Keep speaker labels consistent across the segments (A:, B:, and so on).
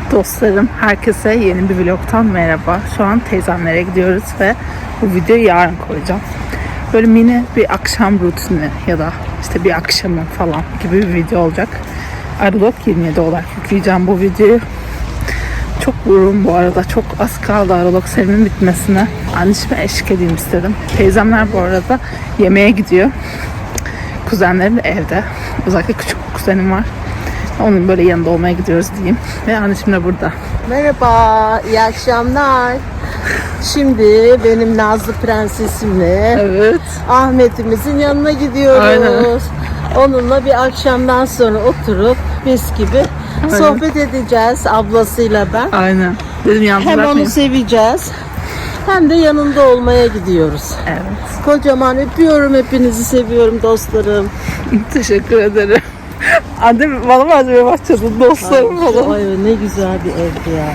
A: Dostlarım, herkese yeni bir vlogtan merhaba. Şu an teyzemlere gidiyoruz ve bu videoyu yarın koyacağım. Böyle mini bir akşam rutini ya da işte bir akşamı falan gibi bir video olacak. Aralık 27 olarak yükleyeceğim bu videoyu. Çok yoruldum bu arada. Çok az kaldı Aralık serimin bitmesine. Anneciğime eşlik edeyim istedim. Teyzemler bu arada yemeğe gidiyor. Kuzenlerim de evde. Özellikle küçük bir kuzenim var. Onun böyle yanında olmaya gidiyoruz diyeyim. Ve anneciğim de burada.
B: Merhaba, iyi akşamlar. Şimdi benim Nazlı Prensesimle
A: Evet.
B: Ahmet'imizin yanına gidiyoruz.
A: Aynen.
B: Onunla bir akşamdan sonra oturup mis gibi sohbet edeceğiz ablasıyla ben.
A: Aynen. Dedim yalnız
B: Hem
A: bırakmayayım.
B: onu seveceğiz hem de yanında olmaya gidiyoruz.
A: Evet.
B: Kocaman öpüyorum, hepinizi seviyorum dostlarım.
A: Teşekkür ederim. Annem bana malzeme başladı. Dostlarım falan.
B: Ay ne güzel bir evdi ya.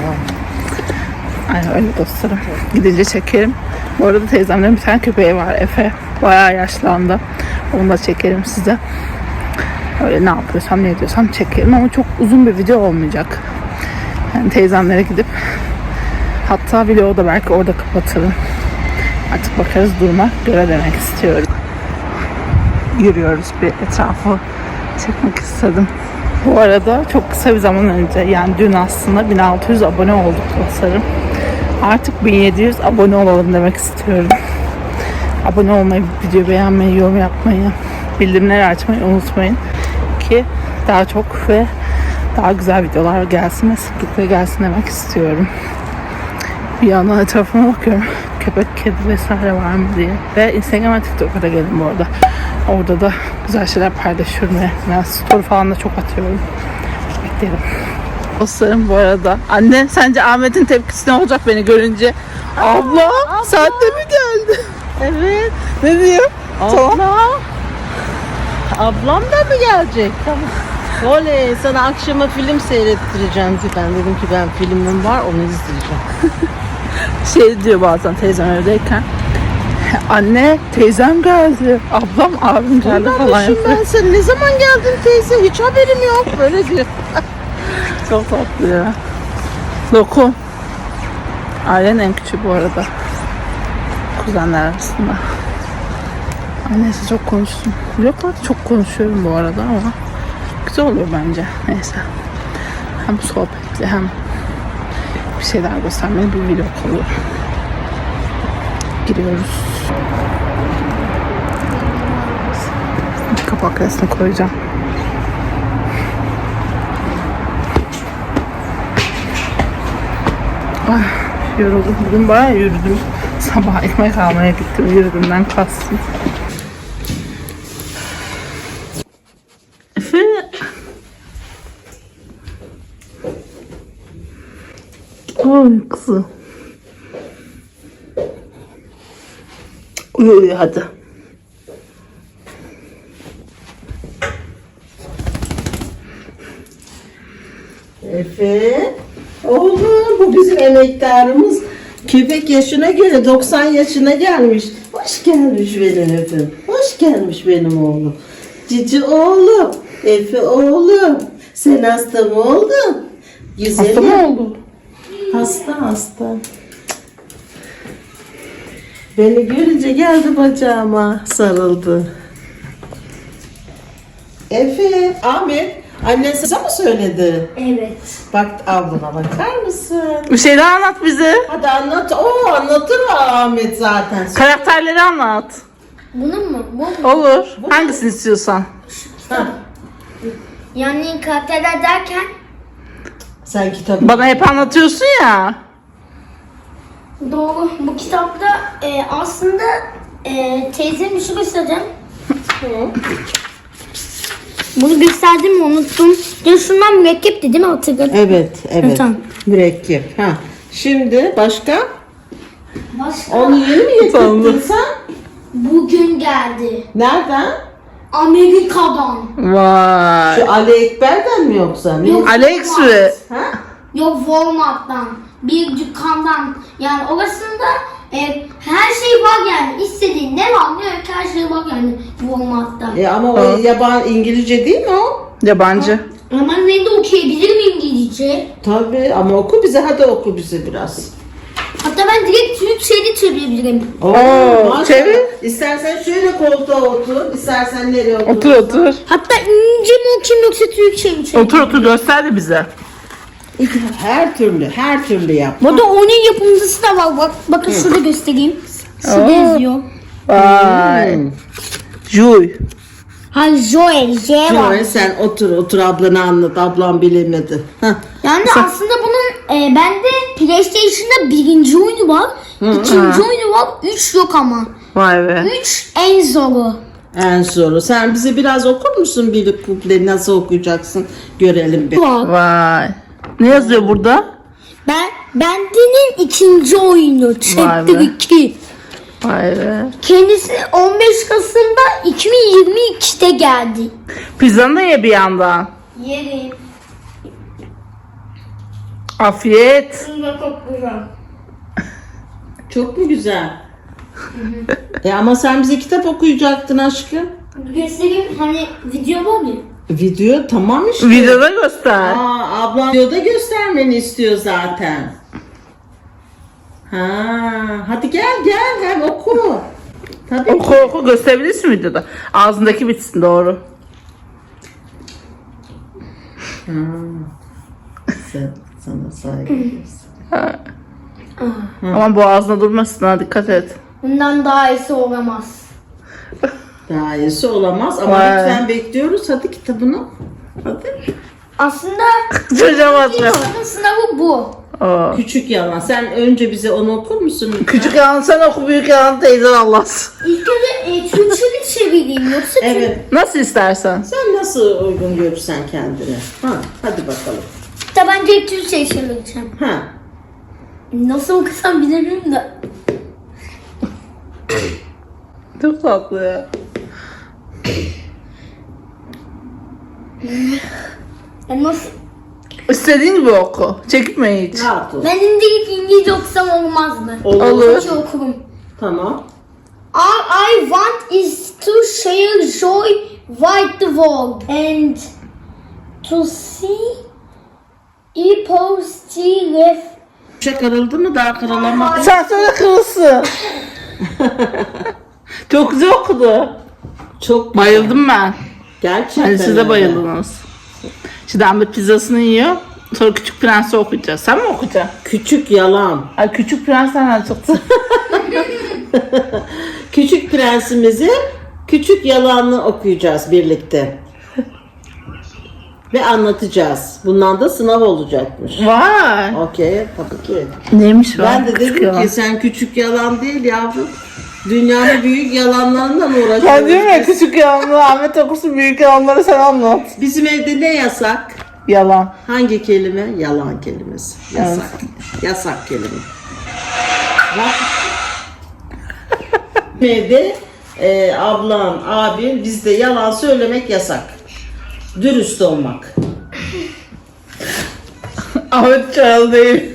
A: Aynen öyle dostlarım. Gidince çekerim. Bu arada teyzemlerin bir tane köpeği var, Efe. Bayağı yaşlandı. Onu da çekerim size. Öyle ne yapıyorsam ne ediyorsam çekerim ama çok uzun bir video olmayacak. Yani teyzemlere gidip hatta vlogu da belki orada kapatırım. Artık bakarız duruma göre demek istiyorum. Yürüyoruz, bir etrafı çekmek istedim. Bu arada çok kısa bir zaman önce, yani dün aslında 1600 abone olduk dostlarım. Artık 1700 abone olalım demek istiyorum. Abone olmayı, video beğenmeyi, yorum yapmayı, bildirimleri açmayı unutmayın ki daha çok ve daha güzel videolar gelsin ve sıklıkla gelsin demek istiyorum. Bir yandan etrafıma bakıyorum. Köpek, kedi vesaire var mı diye. Ve Instagram ve TikTok'a da gelin bu arada. Orada da güzel şeyler paylaşıyorum ve yani story falan da çok atıyorum. Beklerim. Dostlarım bu arada. Anne sence Ahmet'in tepkisi ne olacak beni görünce? Abla sen de mi geldin?
B: Evet.
A: Ne diyor?
B: Abla. Ablam da mı gelecek? Tamam. Oley, sana akşama film seyrettireceğim. Ben dedim ki ben filmim var, onu izleyeceğim.
A: Şey diyor bazen teyzem evdeyken. Anne teyzem geldi. Ablam abim geldi falan
B: Kardeşim
A: yapıyor.
B: ben sen ne zaman geldin teyze? Hiç haberim yok. Böyle diyor.
A: Çok tatlı ya. Lokum. Ailenin en küçüğü bu arada. Kuzenler arasında. Neyse çok konuştum. Vloglarda çok konuşuyorum bu arada ama güzel oluyor bence. Neyse. Hem sohbetli hem bir şeyler göstermeli bir vlog oluyor. Giriyoruz. Kapak resmi koyacağım. Ay, yoruldum. Bugün bayağı yürüdüm. Sabah ekmek almaya gittim. Yürüdümden kastım. Efe. Ay kızım. Uyu hadi.
B: Efe. Oğlum bu bizim emektarımız. Köpek yaşına göre 90 yaşına gelmiş. Hoş gelmiş benim Efe'm. Hoş gelmiş benim oğlum. Cici oğlum. Efe oğlum. Sen hasta mı oldun? Güzelim.
A: Hasta mı oldu?
B: Hasta. Beni görünce geldi bacağıma sarıldı. Efe, Ahmet, annen size mi söyledi?
C: Evet.
B: Bak ablana bakar mısın?
A: Bir şey daha anlat bize.
B: Hadi anlat. Oo anlatır Ahmet zaten.
A: Karakterleri anlat.
C: Bunun mu? Bu mu?
A: Olur. Hangisini istiyorsan.
B: Ha,
C: Yani karakterler derken
B: sen kitabı.
A: Bana hep anlatıyorsun ya.
C: doğru. Bu kitapta aslında teyzem işi göstereceğim. Bunu gösterdim mi unuttum. Ya şundan mürekkepti değil mi hatırladın?
B: Evet.
C: Tamam.
B: Mürekkep. Ha. Şimdi başka?
C: Başka
B: Onu yeni mi getirdin sen?
C: bugün geldi.
B: Nereden?
C: Amerika'dan.
A: Vay.
B: Şu Ali Ekber'den mi yoksa?
C: Yok.
A: AliExpress.
B: Ha?
C: Yok Walmart'tan. Bir dükkandan. Yani orasında her şey var yani. İstediğin ne var ne yok her şey var yani Walmart'ta.
B: Ama o yaban İngilizce değil mi o?
A: Yabancı.
C: Ama ben de okuyabilir miyim İngilizce.
B: Tabii ama oku bize, hadi oku bize biraz.
C: Hatta ben direkt Türkçe'de çevirebilirim.
A: Oo,
B: maşallah.
A: çevir.
B: İstersen şöyle koltuğa otur, istersen nereye otur.
A: Otur otur.
C: Hatta İngilizce mi okuyayım yoksa Türkçe mi çevireyim?
A: Otur otur, göster de bize.
B: Her türlü yap.
C: Burada onun yapımcısı da var. Bakın şurada göstereyim. Şurada yazıyor.
A: Vay. Juy.
C: Ha Joel, J var.
B: Joel sen otur ablana anlat, ablam bilemedi. Heh.
C: Yani aslında bunun bende PlayStation'da birinci oyunu var. İkinci oyunu var. 3 yok ama.
A: Vay be.
C: 3 en zoru.
B: En zoru. Sen bize biraz okur musun bir kuple, nasıl okuyacaksın görelim bir.
C: Var.
A: Vay. Ne yazıyor burada?
C: Bende'nin ikinci oyunu.
A: Vay
C: Chapter
A: be.
C: 2.
A: Vay be.
C: Kendisi 15 Kasım'da 2022'de geldi.
A: Pizzanı da ye bir yandan.
C: Yerim.
A: Afiyet.
C: Bunda çok güzel.
B: Çok mu güzel? Ama sen bize kitap okuyacaktın aşkım.
C: Göstereyim, hani video var ya.
B: Video tamam işte.
A: Videoda göster.
B: Ablam videoda göstermeni istiyor zaten. Hadi gel hem oku. Tabii.
A: Oku oku, gösterebilirsin videoda. Ağzındaki bitsin, doğru.
B: Sana saygı duyuyorsun.
A: Ama boğazına durmasın, ha, dikkat et.
C: Bundan daha iyisi olamaz.
B: Daha iyisi olamaz ama
A: Vay.
B: lütfen bekliyoruz. Hadi kitabını. Hadi.
C: Aslında
A: Çocuğa bakmıyor.
C: ilk sınavı bu.
A: Oo.
B: Küçük yalan. Sen önce bize onu okur musun? lütfen?
A: Küçük yalan sen oku, büyük yalan teyzen anlatsın.
C: İlk önce Türkçe'de çevireyim yoksa
B: Evet.
A: Nasıl istersen.
B: Sen nasıl uygun görürsen kendine. Hadi bakalım.
C: Hatta bence Türkçe'yi çevireceğim. Nasıl okusam bilemiyorum da.
A: Çok tatlı ya.
C: Nasıl?
A: İstediğin gibi oku. Çekinme hiç.
B: Rahat ol.
C: Ben direkt İngilizce okusam olmaz mı?
A: Olur.
C: Türkçe okurum.
B: Tamam.
C: All I want is to share joy with the world and to see positive.
B: Şey kırıldı mı, daha kırılamadı.
A: Sen söyle, kırılsın. Çok güzel okudu.
B: Çok
A: Bayıldım ben.
B: gerçekten.
A: Hani siz
B: öyle.
A: de bayıldınız. Şimdi Ahmet pizzasını yiyor. Sonra Küçük Prens'i okuyacağız. Sen mi okuyacaksın?
B: Küçük yalan.
A: Ay, Küçük Prens nereden çıktı?
B: Küçük prensimizi küçük yalanını okuyacağız birlikte. Ve anlatacağız. Bundan da sınav olacakmış.
A: Vay.
B: Okey, tabii ki.
A: Neymiş var?
B: Ben de
A: Küçük
B: dedim
A: yalan.
B: ki sen küçük yalan değil yavrum. Dünyanın büyük yalanlarından uğraşıyoruz.
A: Ben diyorum ya, küçük yalanları Ahmet okursun, büyük yalanları sen anlat.
B: Bizim evde ne yasak?
A: Yalan.
B: Hangi kelime? Yalan kelimesi. Yasak. Yasak kelime. Bak. Evde ablam, abim, bizde yalan söylemek yasak. Dürüst olmak.
A: Ahmet Çağıl değil.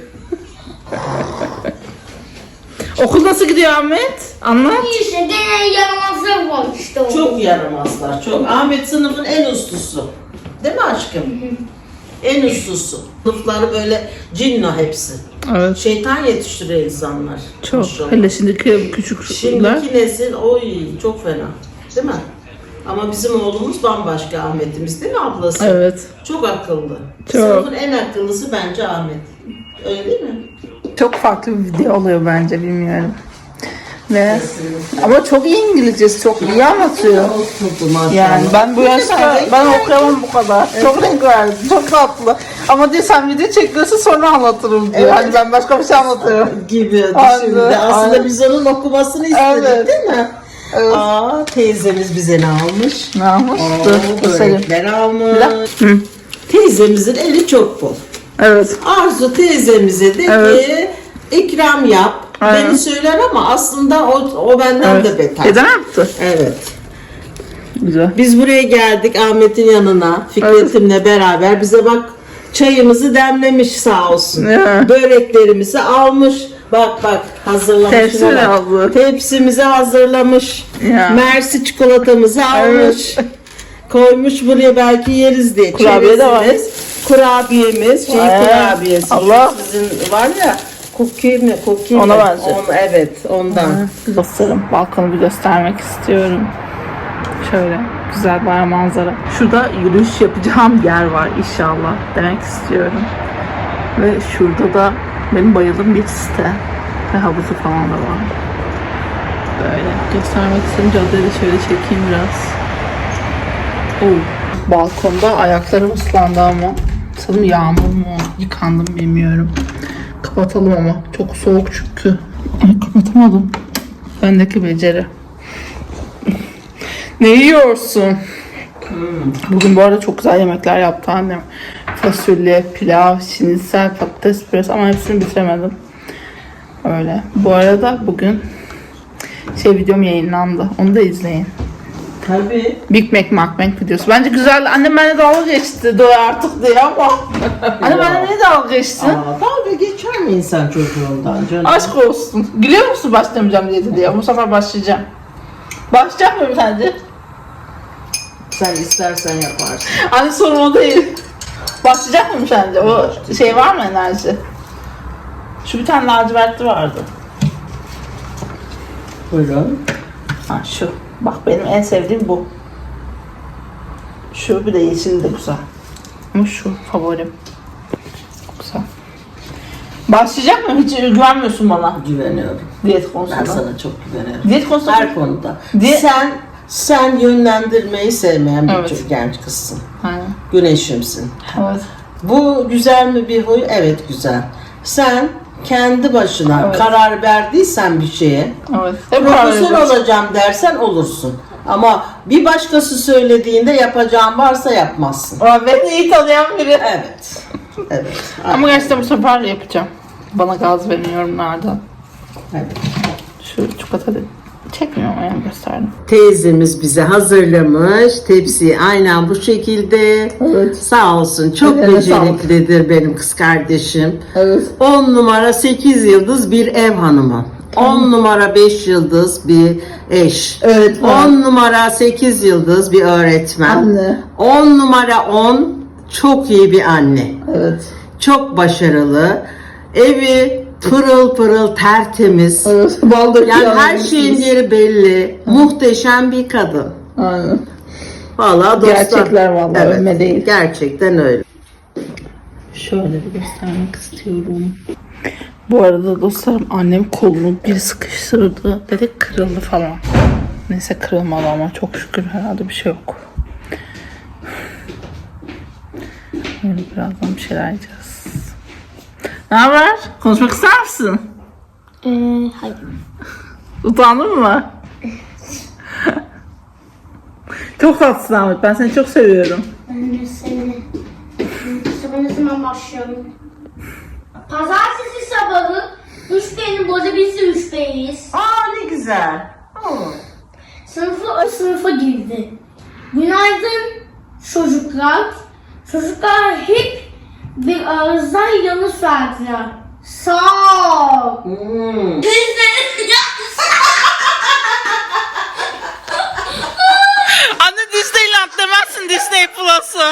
A: Okul nasıl gidiyor Ahmet? Anlat.
C: İşte deney yaramazlar var işte o.
B: Çok yaramazlar, çok. Ahmet sınıfın en uslusu. Değil mi aşkım? En uslusu. Sınıfları böyle cinno hepsi.
A: Evet.
B: Şeytan yetiştiriyor insanlar.
A: Çok.
B: Maşallah.
A: Hele şimdiki küçükler.
B: Şimdiki nesil oy çok fena. Değil mi? Ama bizim oğlumuz bambaşka, Ahmet'imiz değil mi ablası?
A: Evet.
B: Çok akıllı.
A: Çok.
B: Sınıfın en akıllısı bence Ahmet. Öyle değil mi?
A: Çok farklı bir video oluyor bence, bilmiyorum. Ve ama çok iyi İngilizcesi, çok iyi anlatıyor.
B: Oturdu maşallah.
A: Yani ben bu yaşta
B: renk
A: ben okuyamam bu kadar. Çok renk verdi, çok tatlı. Ama diyor sen video çekiyorsun sonra anlatırım diyor.
B: Evet.
A: Hani ben başka bir şey anlatıyorum.
B: gibi
A: Aynen,
B: şimdi. Aslında
A: aynen.
B: biz onun okumasını istedik
A: Evet.
B: değil mi?
A: Evet.
B: Teyzemiz bize ne almış?
A: Ne yapmış? Dur, göstereyim.
B: Börekler almış.
A: Hı.
B: Teyzemizin eli çok bol.
A: Evet.
B: Arzu teyzemize de
A: Evet.
B: ki ikram yap.
A: Aynen.
B: Beni söyler ama aslında o benden de beter.
A: Neden yaptı?
B: Evet.
A: Güzel.
B: Biz buraya geldik Ahmet'in yanına. Fikret'imle beraber bize bak çayımızı demlemiş sağ olsun.
A: Ya.
B: Böreklerimizi almış. Bak hazırlamış.
A: Tepsi
B: Şuna
A: de
B: bak.
A: aldı.
B: Tepsimizi hazırlamış.
A: Ya.
B: Mersi çikolatamızı almış. Koymuş buraya, belki yeriz diye.
A: Kurabiye de var.
B: Çerezimiz, kurabiyemiz, kurabiyesi.
A: Allah.
B: Sizin var ya, cookie mi? Cookie
A: Ona
B: mi?
A: benziyor.
B: Evet, ondan.
A: Dostlarım, balkonu bir göstermek istiyorum. Şöyle güzel bayağı manzara. Şurada yürüyüş yapacağım yer var inşallah demek istiyorum. Ve şurada da benim bayıldığım bir site. Ve havuzu falan da var. Böyle göstermek istedim. Caddeyi de şöyle çekeyim biraz. Balkonda ayaklarım ıslandı ama sanırım yağmur mu yıkandım bilmiyorum. Kapatalım ama çok soğuk çünkü. Ay, kapatamadım. Bendeki beceri. Ne yiyorsun? Bugün bu arada çok güzel yemekler yaptı annem. Fasulye, pilav, şinisel, patates püresi ama hepsini bitiremedim. Öyle. Bu arada bugün videom yayınlandı. Onu da izleyin.
B: Tabii.
A: Big Mac mukbang videosu. Bence güzel. Annem benimle dalga geçti. Doy artık diye ama. Anne benimle niye dalga geçtin?
B: Dalga geçer mi insan çocuğundan canım?
A: Aşk olsun. Gülüyor musun başlamayacağım diyeti diye? Bu sefer başlayacağım. Başlayacak mıyım sence?
B: Sen istersen yaparsın.
A: Anne sorun o değil. Başlayacak mıyım sence? O şey var mı enerji? Şu bir tane lacivertli vardı.
B: Buyurun.
A: Ha şu. Bak benim en sevdiğim bu. Şu bir de yeşil de güzel. Ama şu favorim. Çok güzel. Başlayacak mı? Hiç güvenmiyorsun bana.
B: Güveniyorum.
A: Diyet konusunda.
B: Ben sana çok güveniyorum.
A: Diyet konusunda.
B: Her konuda.
A: Diye-
B: Sen yönlendirmeyi sevmeyen bir
A: Evet.
B: genç kızsın.
A: Aynen.
B: Güneşimsin.
A: Evet.
B: Bu güzel mi bir huy? Evet, güzel. Sen kendi başına
A: Evet.
B: karar verdiysen bir şeye,
A: Evet. Hep
B: profesör
A: karar
B: olacağım dersen olursun. Ama bir başkası söylediğinde yapacağın varsa yapmazsın.
A: Aa, beni iyi tanıyan biri.
B: Evet. Evet.
A: Ama gerçekten bu sefer yapacağım. Bana gaz verin yorumlardan.
B: Evet.
A: Şu çikolata çekmiyorum ama yani gösterdim.
B: Teyzemiz bize hazırlamış tepsiyi aynen bu şekilde.
A: Evet.
B: Sağ olsun, çok
A: Eline
B: beceriklidir benim kız kardeşim.
A: Evet.
B: 10 numara 8 yıldız bir ev hanımı. 10 numara 5 yıldız bir eş.
A: Evet,
B: 10 numara 8 yıldız bir öğretmen.
A: Anne.
B: 10 numara 10 çok iyi bir anne.
A: Evet.
B: Çok başarılı. Evi pırıl pırıl tertemiz.
A: Evet. Baldır
B: Yani her şeyin yeri belli. Muhteşem bir kadın.
A: Aynen.
B: Vallahi dostlar.
A: Gerçekler vallahi, övme değil.
B: Gerçekten öyle.
A: Şöyle bir göstermek istiyorum. Bu arada dostlarım annem kolunu bir sıkıştırdı. Dedi kırıldı falan. Neyse kırılmadı ama çok şükür herhalde bir şey yok. Böyle birazdan bir şeyler yiyeceğiz. Ne haber? Konuşmak ister misin?
C: Hayır.
A: Utandın mı? Çok tatlısın Ahmet. Ben seni çok seviyorum.
C: Ben de seni. Sabah ne zaman başlıyorum? Pazartesi sabahı 3 beyni bozabilse 3 beyiz.
B: Aa, ne güzel.
C: Sınıfa girdi. Günaydın çocuklar. Çocuklar hep bir ağızdan yanıt verdiler. Sağ ol.
A: Anne Disneyland demezsin Disney Plus'ı.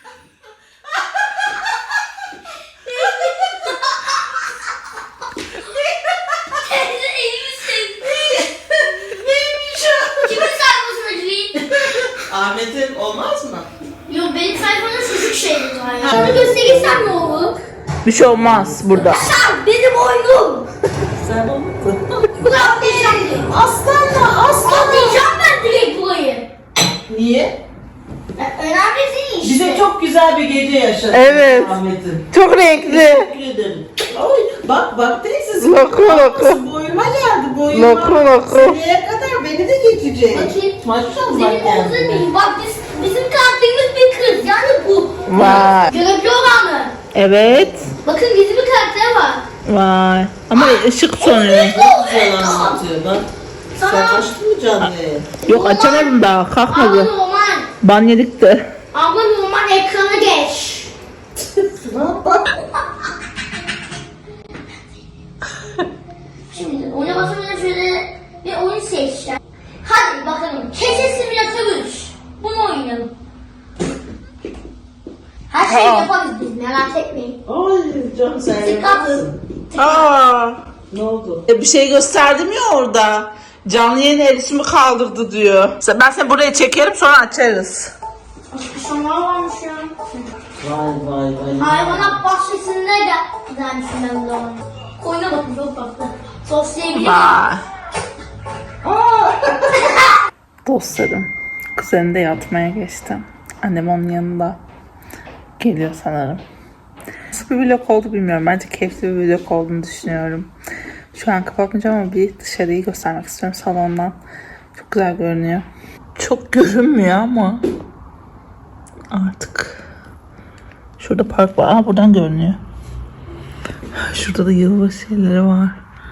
C: Teyze iyi misin? Neymiş o? Kimin sayfasına gireyim?
B: Ahmet'in olmaz mı?
C: Yok benim sayfamda çocuk şeyleri var ya. Şunu gösterirsem ne olur?
A: Bir şey olmaz burada.
C: Sen benim oyunum.
B: Sen olmadın.
C: Bunu atlayacağım.
B: Aslanla aslan.
C: Atlayacağım ben direkt burayı.
B: Niye?
C: Önemli değil işte.
B: Bize çok güzel bir gece yaşadın.
A: Evet.
B: Ahmet'in.
A: Çok renkli.
B: Teşekkür ederim. Oy, bak teyzesi.
A: Loku, loku.
B: Boyuma geldi boyuma.
A: Loku.
B: Seneye kadar beni de geçecek.
C: Bakayım.
B: Maşallah
C: Benim omzum
B: kendine.
C: değil. Bak bizim karakterimiz bir kız. Yani bu.
A: Vay.
C: Görebiliyor musun?
A: Evet.
C: Bakın gizli bir karakter var.
A: Vay. Ama ışık sönüyor.
B: Güzel anlatıyor bak. Sen
C: Sana
B: açtın mı canlıyı?
A: Yok açamadım daha.
C: abla
A: Kalkmadı.
C: normal.
A: Ban yedik de.
C: Abla normal ekrana geç.
B: Şuna bak.
C: Şimdi oyuna basmadan şöyle bir oyun seçeceğim. Hadi bakalım. Keçe simülatör 3. Bunu oynayalım. Tıkatsın.
A: Aa,
B: Ne oldu?
A: bir şey gösterdim ya orada. Canlı yayın erişimi kaldırdı diyor. Ben seni buraya çekerim sonra açarız.
C: Şunlar varmış ya.
B: Vay.
C: Hayvanat bahçesinde gelmişim ben de onu. Koyuna bakın çok tatlı. Soslayabilir
A: Vay. Dostlarım, kuzenim de yatmaya geçti. Annem onun yanında geliyor sanırım. Nasıl bir vlog oldu bilmiyorum. Bence keyifli bir vlog olduğunu düşünüyorum. Şu an kapatmayacağım ama bir dışarıyı göstermek istiyorum salondan. Çok güzel görünüyor. Çok görünmüyor ama artık. Şurada park var. Aa, buradan görünüyor. Şurada da yılbaşı şeyleri var.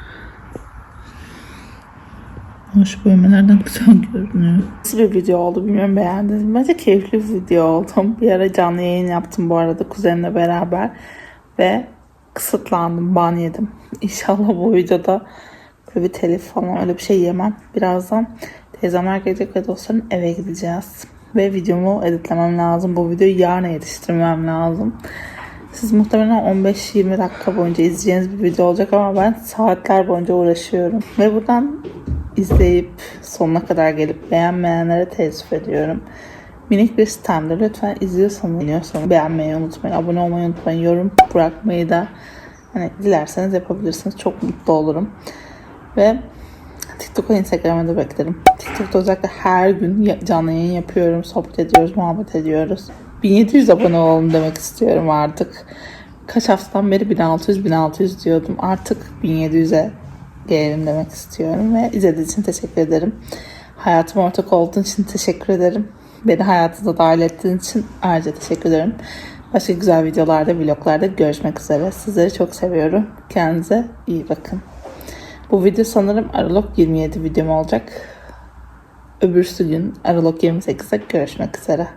A: Ama şu bölmelerden güzel görünüyor. Nasıl bir video oldu bilmiyorum, beğendiniz mi? Bence keyifli bir video oldu. Bir ara canlı yayın yaptım bu arada kuzenimle beraber. Ve kısıtlandım, ban yedim. İnşallah bu videoda böyle bir telif falan öyle bir şey yemem. Birazdan teyzemler gelecek ve dostlarım eve gideceğiz. Ve videomu editlemem lazım. Bu videoyu yarına yetiştirmem lazım. Siz muhtemelen 15-20 dakika boyunca izleyeceğiniz bir video olacak ama ben saatler boyunca uğraşıyorum. Ve buradan izleyip sonuna kadar gelip beğenmeyenlere teessüf ediyorum. Minik bir sistemdir. Lütfen izliyorsanız beğenmeyi unutmayın. Abone olmayı unutmayın. Yorum bırakmayı da hani dilerseniz yapabilirsiniz. Çok mutlu olurum. Ve TikTok ve Instagram'a da beklerim. TikTok'ta özellikle her gün canlı yayın yapıyorum. Sohbet ediyoruz, muhabbet ediyoruz. 1700 abone olalım demek istiyorum artık. Kaç haftadan beri 1600 diyordum. Artık 1700'e gelelim demek istiyorum. Ve izlediğiniz için teşekkür ederim. Hayatıma ortak olduğun için teşekkür ederim. Beni hayatınıza dahil ettiğin için ayrıca teşekkür ederim. Başka güzel videolarda, vloglarda görüşmek üzere. Sizleri çok seviyorum. Kendinize iyi bakın. Bu video sanırım Aralık 27 videom olacak. Öbürsü gün Aralık 28'de görüşmek üzere.